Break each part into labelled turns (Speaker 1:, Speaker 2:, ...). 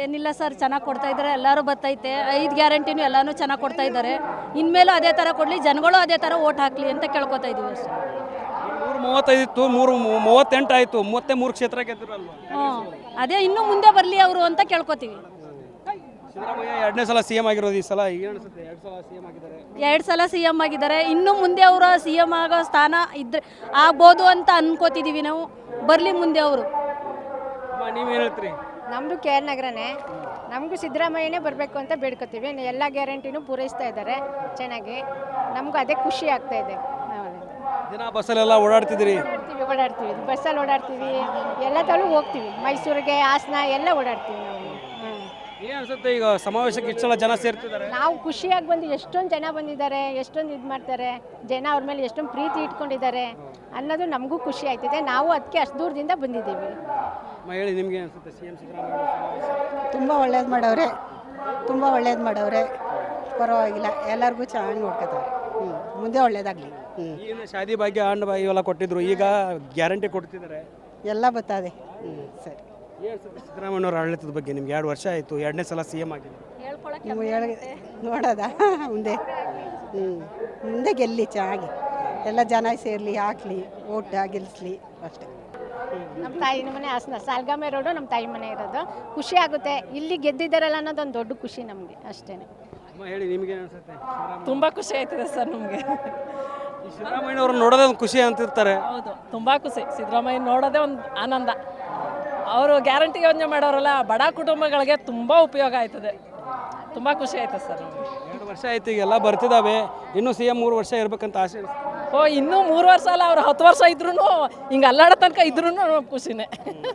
Speaker 1: ಏನಿಲ್ಲ ಸರ್, ಚೆನ್ನಾಗಿ ಕೊಡ್ತಾ ಇದ್ದಾರೆ, ಎಲ್ಲರೂ ಬರ್ತೈತೆ. 5 ಗ್ಯಾರಂಟಿನೂ ಎಲ್ಲಾನು ಚೆನ್ನಾಗಿ ಕೊಡ್ತಾ ಇದ್ದಾರೆ. ಇನ್ಮೇಲೂ ಅದೇ ಥರ ಕೊಡಲಿ, ಜನಗಳು ಅದೇ ಥರ ಓಟ್ ಹಾಕಲಿ ಅಂತ ಕೇಳ್ಕೊತಾ ಇದ್ದೀವಿ ಅಷ್ಟೇ.
Speaker 2: 35 ಇತ್ತು, 38 ಆಯಿತು, ಮತ್ತೆ 3 ಕ್ಷೇತ್ರ ಗೆದ್ದಿರಲ್ವ?
Speaker 1: ಅದೇ ಇನ್ನೂ ಮುಂದೆ ಬರಲಿ ಅವರು ಅಂತ ಕೇಳ್ಕೊತೀವಿ.
Speaker 2: ಸಿದ್ದರಾಮಯ್ಯ 2ನೇ ಸಲ ಸಿ ಎಂ ಆಗಿರೋದು, ಈ ಸಲ ಏನು ಅನಿಸುತ್ತೆ? 2 ಸಲ ಸಿ ಎಂ ಆಗಿದ್ದಾರೆ,
Speaker 1: 2 ಸಲ ಸಿ ಎಮ್ ಆಗಿದ್ದಾರೆ. ಇನ್ನು ಮುಂದೆ ಅವರು ಸಿ ಎಮ್ ಆಗೋ ಸ್ಥಾನ ಇದ್ರೆ ಆಗ್ಬೋದು ಅಂತ ಅನ್ಕೋತಿದ್ದೀವಿ ನಾವು. ಬರಲಿ ಮುಂದೆ ಅವರು.
Speaker 2: ನೀವೇನು ಹೇಳ್ತೀರಿ?
Speaker 3: ನಮ್ಮದು ಕೆ ಆರ್ ನಗರನೇ. ನಮಗೂ ಸಿದ್ದರಾಮಯ್ಯನೇ ಬರಬೇಕು ಅಂತ ಬೇಡ್ಕೊತೀವಿ. ಎಲ್ಲ ಗ್ಯಾರಂಟಿನೂ ಪೂರೈಸ್ತಾ ಇದ್ದಾರೆ ಚೆನ್ನಾಗಿ. ನಮಗೂ ಅದೇ ಖುಷಿ ಆಗ್ತಾ ಇದೆ.
Speaker 2: ದಿನ ಬಸ್ಸಲ್ಲೆಲ್ಲ ಓಡಾಡ್ತಿದ್ದೀರಿ?
Speaker 3: ಓಡಾಡ್ತೀವಿ, ಬಸ್ಸಲ್ಲಿ ಓಡಾಡ್ತೀವಿ, ಎಲ್ಲ ತಲೂ ಹೋಗ್ತೀವಿ. ಮೈಸೂರಿಗೆ, ಹಾಸನ ಎಲ್ಲ ಓಡಾಡ್ತೀವಿ ನಾವು.
Speaker 2: ಏನು ಅನಿಸುತ್ತೆ ಈಗ ಸಮಾವೇಶಕ್ಕೆ ಇಷ್ಟೆಲ್ಲ ಜನ ಸೇರ್ತಿದ್ದಾರೆ?
Speaker 3: ನಾವು ಖುಷಿಯಾಗಿ ಬಂದು ಎಷ್ಟೊಂದು ಜನ ಬಂದಿದ್ದಾರೆ, ಎಷ್ಟೊಂದು ಇದು ಮಾಡ್ತಾರೆ ಜನ, ಅವ್ರ ಮೇಲೆ ಎಷ್ಟೊಂದು ಪ್ರೀತಿ ಇಟ್ಕೊಂಡಿದ್ದಾರೆ ಅನ್ನೋದು ನಮಗೂ ಖುಷಿ ಆಯ್ತಿದೆ. ನಾವು ಅದಕ್ಕೆ ಅಷ್ಟು ದೂರದಿಂದ ಬಂದಿದ್ದೀವಿ.
Speaker 2: ಹೇಳಿ, ನಿಮಗೆ ಅನಿಸುತ್ತೆ ಸಿ ಎಂ ಸಿದ್ದರಾಮಯ್ಯ?
Speaker 4: ತುಂಬ ಒಳ್ಳೇದು ಮಾಡವ್ರೆ, ತುಂಬ ಒಳ್ಳೇದು ಮಾಡವ್ರೆ. ಪರವಾಗಿಲ್ಲ, ಎಲ್ಲರಿಗೂ ಚೆನ್ನಾಗಿ ನೋಡ್ಕೊತಾರೆ. ಮುಂದೆ ಒಳ್ಳೇದಾಗಲಿ.
Speaker 2: ಏನು ಶಾದಿ ಭಾಗ್ಯ, ಹಣ್ಣು ಭಾಗ್ಯ ಇವೆಲ್ಲ ಕೊಟ್ಟಿದ್ರು, ಈಗ ಗ್ಯಾರಂಟಿ ಕೊಡ್ತಿದ್ದಾರೆ,
Speaker 4: ಎಲ್ಲ ಬರ್ತದೆ. ಸರಿ.
Speaker 2: ಏನು ಸಿದ್ದರಾಮಯ್ಯವ್ರ ಆಡಳಿತದ ಬಗ್ಗೆ ನಿಮ್ಗೆ 2 ವರ್ಷ ಆಯಿತು, 2ನೇ ಸಲ ಸಿ ಎಂ ಆಗಿದೆ,
Speaker 4: ನೋಡೋದ ಮುಂದೆ ಮುಂದೆ ಗೆಲ್ಲಿ ಚೆನ್ನಾಗಿ, ಎಲ್ಲ ಜನ ಸೇರಲಿ, ಹಾಕ್ಲಿ, ಓಟ್ ಗೆಲ್ಲಿಸ್ಲಿ ಅಷ್ಟೇ.
Speaker 3: ನಮ್ಮ ತಾಯಿ ಮನೆ ಹಾಸನ, ಸಾಲ್ಗಾಮೆ ರೋಡು ನಮ್ಮ ತಾಯಿ ಮನೆ ಇರೋದು. ಖುಷಿ ಆಗುತ್ತೆ, ಇಲ್ಲಿ ಗೆದ್ದಿದ್ದಾರಲ್ಲ ಅನ್ನೋದೊಂದು ದೊಡ್ಡ ಖುಷಿ ನಮಗೆ ಅಷ್ಟೇ.
Speaker 2: ಹೇಳಿ, ನಿಮಗೆ ಅನಿಸುತ್ತೆ?
Speaker 5: ತುಂಬ ಖುಷಿ ಆಯ್ತದೆ ಸರ್ ನಮಗೆ.
Speaker 2: ಸಿದ್ದರಾಮಯ್ಯವ್ರು ನೋಡೋದೇ ಒಂದು ಖುಷಿ ಅಂತಿರ್ತಾರೆ.
Speaker 5: ಹೌದು, ತುಂಬ ಖುಷಿ. ಸಿದ್ದರಾಮಯ್ಯ ನೋಡೋದೇ ಒಂದು ಆನಂದ. ಅವರು ಗ್ಯಾರಂಟಿ ಯೋಜನೆ ಮಾಡೋರಲ್ಲ, ಬಡ ಕುಟುಂಬಗಳಿಗೆ ತುಂಬ ಉಪಯೋಗ ಆಯ್ತದೆ. ತುಂಬ ಖುಷಿ ಆಯ್ತದೆ ಸರ್ ನಮಗೆ.
Speaker 2: 2 ವರ್ಷ ಆಯ್ತು, ಈಗ ಎಲ್ಲ ಬರ್ತಿದ್ದಾವೆ, ಇನ್ನೂ ಸಿ ಎಂ 3 ವರ್ಷ ಇರ್ಬೇಕಂತ ಆಸೆ.
Speaker 5: ಇನ್ನೂ 3 ವರ್ಷ ಅಲ್ಲ, ಅವ್ರು 10 ವರ್ಷ ಇದ್ರೂ ಹಿಂಗೆ ಅಲ್ಲಾಡೋ ತನಕ ಇದ್ರೂ ಖುಷಿನೇ.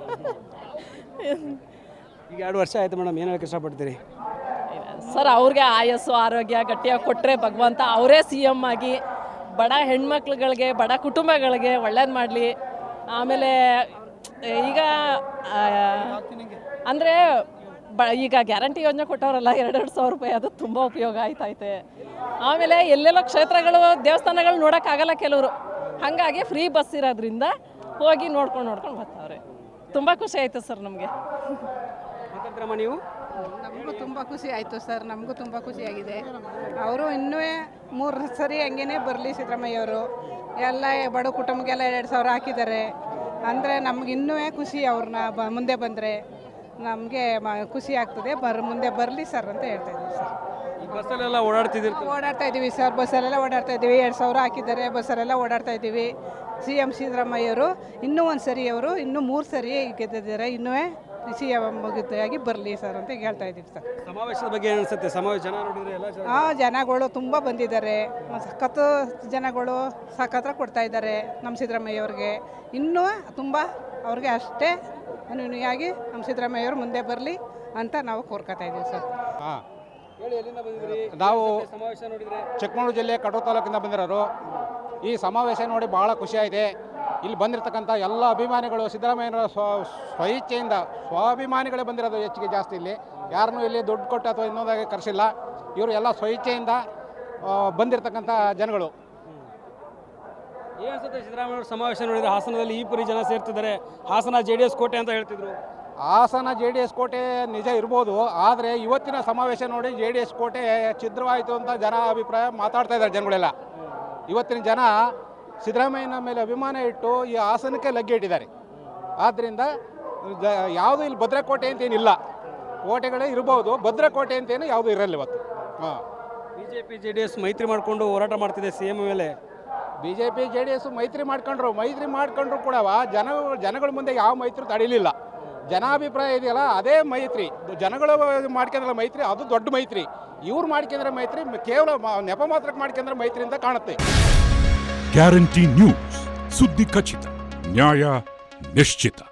Speaker 2: ಈಗ 2 ವರ್ಷ ಆಯ್ತು ಮೇಡಮ್, ಏನು ಹೇಳಕ್ಕೆ ಇಷ್ಟಪಡ್ತೀರಿ?
Speaker 5: ಸರ್, ಅವ್ರಿಗೆ ಆಯಸ್ಸು ಆರೋಗ್ಯ ಗಟ್ಟಿಯಾಗಿ ಕೊಟ್ಟರೆ ಭಗವಂತ ಅವರೇ ಸಿ ಎಮ್ ಆಗಿ ಬಡ ಹೆಣ್ಮಕ್ಳುಗಳಿಗೆ, ಬಡ ಕುಟುಂಬಗಳಿಗೆ ಒಳ್ಳೇದು ಮಾಡಲಿ. ಆಮೇಲೆ ಈಗ ಅಂದರೆ ಈಗ ಗ್ಯಾರಂಟಿ ಯೋಜನೆ ಕೊಟ್ಟವರಲ್ಲ, 2,000 ರೂಪಾಯಿ, ಅದು ತುಂಬ ಉಪಯೋಗ ಆಯ್ತೈತೆ. ಆಮೇಲೆ ಎಲ್ಲೆಲ್ಲೋ ಕ್ಷೇತ್ರಗಳು, ದೇವಸ್ಥಾನಗಳು ನೋಡೋಕ್ಕಾಗಲ್ಲ ಕೆಲವರು, ಹಾಗಾಗಿ ಫ್ರೀ ಬಸ್ ಇರೋದ್ರಿಂದ ಹೋಗಿ ನೋಡ್ಕೊಂಡು ಬರ್ತಾವ್ರೆ. ತುಂಬ ಖುಷಿ ಆಯಿತು ಸರ್ ನಮಗೆ.
Speaker 2: ನೀವು?
Speaker 4: ನಮಗೂ ತುಂಬ ಖುಷಿ ಆಯಿತು ಸರ್, ನಮಗೂ ತುಂಬ ಖುಷಿಯಾಗಿದೆ. ಅವರು ಇನ್ನೂ 3 ಸರಿ ಹಂಗೇ ಬರಲಿ ಸಿದ್ದರಾಮಯ್ಯವರು. ಎಲ್ಲ ಬಡ ಕುಟುಂಬಕ್ಕೆಲ್ಲ 2,000 ಹಾಕಿದ್ದಾರೆ ಅಂದರೆ ನಮ್ಗೆ ಇನ್ನೂ ಖುಷಿ. ಅವ್ರನ್ನ ಮುಂದೆ ಬಂದರೆ ನಮಗೆ ಖುಷಿ ಆಗ್ತದೆ. ಮುಂದೆ ಬರಲಿ ಸರ್ ಅಂತ ಹೇಳ್ತಾ ಇದ್ದೀವಿ ಸರ್.
Speaker 2: ಬಸ್ಸಲ್ಲೆಲ್ಲ ಓಡಾಡ್ತಾ
Speaker 4: ಇದ್ದೀವಿ ಸರ್, ಬಸ್ಸಲ್ಲೆಲ್ಲ ಓಡಾಡ್ತಾ ಇದ್ದೀವಿ. 2,000 ಹಾಕಿದ್ದಾರೆ, ಬಸ್ಸಲ್ಲೆಲ್ಲ ಓಡಾಡ್ತಾ ಇದ್ದೀವಿ. ಸಿ ಎಂ ಸಿದ್ದರಾಮಯ್ಯವರು ಇನ್ನೂ 1 ಸರಿ, ಅವರು ಇನ್ನೂ 3 ಸರಿ ಗೆದ್ದಿದ್ದಾರೆ. ಇನ್ನೂ ಸಿ ಎಂ ಮುಗಿದಾಗಿ ಬರಲಿ ಸರ್ ಅಂತ ಹೇಳ್ತಾ ಇದ್ದೀವಿ ಸರ್.
Speaker 2: ಸಮಾವೇಶದ ಬಗ್ಗೆ ಏನು ಅನಿಸುತ್ತೆ? ಸಮಾವೇಶ ಜನ ನೋಡಿದ್ರೆ ಎಲ್ಲ
Speaker 4: ಜನಗಳು ತುಂಬ ಬಂದಿದ್ದಾರೆ. ಸಖತ್ತು ಜನಗಳು ಸಖತ್ರ ಕೊಡ್ತಾ ಇದ್ದಾರೆ ನಮ್ಮ ಸಿದ್ದರಾಮಯ್ಯವ್ರಿಗೆ. ಇನ್ನೂ ತುಂಬ ಅವ್ರಿಗೆ ಅಷ್ಟೇ ಅನುಯಾಗಿ ನಮ್ಮ ಸಿದ್ದರಾಮಯ್ಯವರು ಮುಂದೆ ಬರಲಿ ಅಂತ ನಾವು ಕೋರ್ಕೊತಾ ಇದ್ದೀವಿ ಸರ್.
Speaker 6: ನಾವು ಚಿಕ್ಕಮಗಳೂರು ಜಿಲ್ಲೆ ಕಡೂರು ತಾಲೂಕಿಂದ ಬಂದಿರೋರು. ಈ ಸಮಾವೇಶ ನೋಡಿ ಭಾಳ ಖುಷಿಯಾಗಿದೆ. ಇಲ್ಲಿ ಬಂದಿರತಕ್ಕಂಥ ಎಲ್ಲ ಅಭಿಮಾನಿಗಳು ಸಿದ್ದರಾಮಯ್ಯನವರ ಸ್ವಇಚ್ಛೆಯಿಂದ ಸ್ವಾಭಿಮಾನಿಗಳೇ ಬಂದಿರೋದು ಹೆಚ್ಚಿಗೆ ಜಾಸ್ತಿ. ಇಲ್ಲಿ ಯಾರನ್ನೂ ಇಲ್ಲಿ ದುಡ್ಡು ಕೊಟ್ಟು ಅಥವಾ ಇನ್ನೊಂದಾಗಿ ಕರೆಸಿಲ್ಲ. ಇವರು ಎಲ್ಲ ಸ್ವಇಚ್ಛೆಯಿಂದ ಬಂದಿರತಕ್ಕಂಥ ಜನಗಳು.
Speaker 2: ಏನು ಅನ್ಸುತ್ತೆ ಸಿದ್ದರಾಮಯ್ಯವ್ರ ಸಮಾವೇಶ ನೋಡಿದರೆ? ಹಾಸನದಲ್ಲಿ ಈ ಪರಿ ಜನ ಸೇರ್ತಿದ್ದಾರೆ. ಹಾಸನ JDS ಕೋಟೆ ಅಂತ ಹೇಳ್ತಿದ್ರು.
Speaker 6: ಹಾಸನ JDS ಕೋಟೆ ನಿಜ ಇರ್ಬೋದು, ಆದರೆ ಇವತ್ತಿನ ಸಮಾವೇಶ ನೋಡಿ JDS ಕೋಟೆ ಛಿದ್ರವಾಯಿತು ಅಂತ ಜನ ಅಭಿಪ್ರಾಯ ಮಾತಾಡ್ತಾ ಇದ್ದಾರೆ ಜನಗಳೆಲ್ಲ. ಇವತ್ತಿನ ಜನ ಸಿದ್ದರಾಮಯ್ಯನ ಮೇಲೆ ಅಭಿಮಾನ ಇಟ್ಟು ಈ ಹಾಸನಕ್ಕೆ ಲಗ್ಗೆ ಇಟ್ಟಿದ್ದಾರೆ. ಆದ್ದರಿಂದ ಯಾವುದು ಇಲ್ಲಿ ಭದ್ರಕೋಟೆ ಅಂತೇನಿಲ್ಲ. ಕೋಟೆಗಳೇ ಇರ್ಬೋದು, ಭದ್ರಕೋಟೆ ಅಂತೇನು ಯಾವುದು ಇರಲ್ಲ ಇವತ್ತು.
Speaker 2: BJP JDS ಮೈತ್ರಿ ಮಾಡಿಕೊಂಡು ಹೋರಾಟ ಮಾಡ್ತಿದೆ ಸಿ ಎಂ ಮೇಲೆ.
Speaker 6: BJP JDS ಮೈತ್ರಿ ಮಾಡ್ಕೊಂಡ್ರು ಕೂಡ ಜನಗಳ ಮುಂದೆ ಯಾವ ಮೈತ್ರಿ ತಡೀಲಿಲ್ಲ. ಜನಾಭಿಪ್ರಾಯ ಇದೆಯಲ್ಲ, ಅದೇ ಮೈತ್ರಿ. ಜನಗಳು ಮಾಡ್ಕೊಂಡ್ರೆ ಮೈತ್ರಿ, ಅದು ದೊಡ್ಡ ಮೈತ್ರಿ. ಇವ್ರು ಮಾಡ್ಕೊಂಡ್ರೆ ಮೈತ್ರಿ ಕೇವಲ ನೆಪ ಮಾತ್ರಕ್ಕೆ ಮಾಡ್ಕೊಂಡ್ರೆ ಮೈತ್ರಿ ಅಂತ ಕಾಣುತ್ತೆ.
Speaker 7: ಗ್ಯಾರಂಟಿ ನ್ಯೂಸ್, ಸುದ್ದಿ ಖಚಿತ, ನ್ಯಾಯ ನಿಶ್ಚಿತ.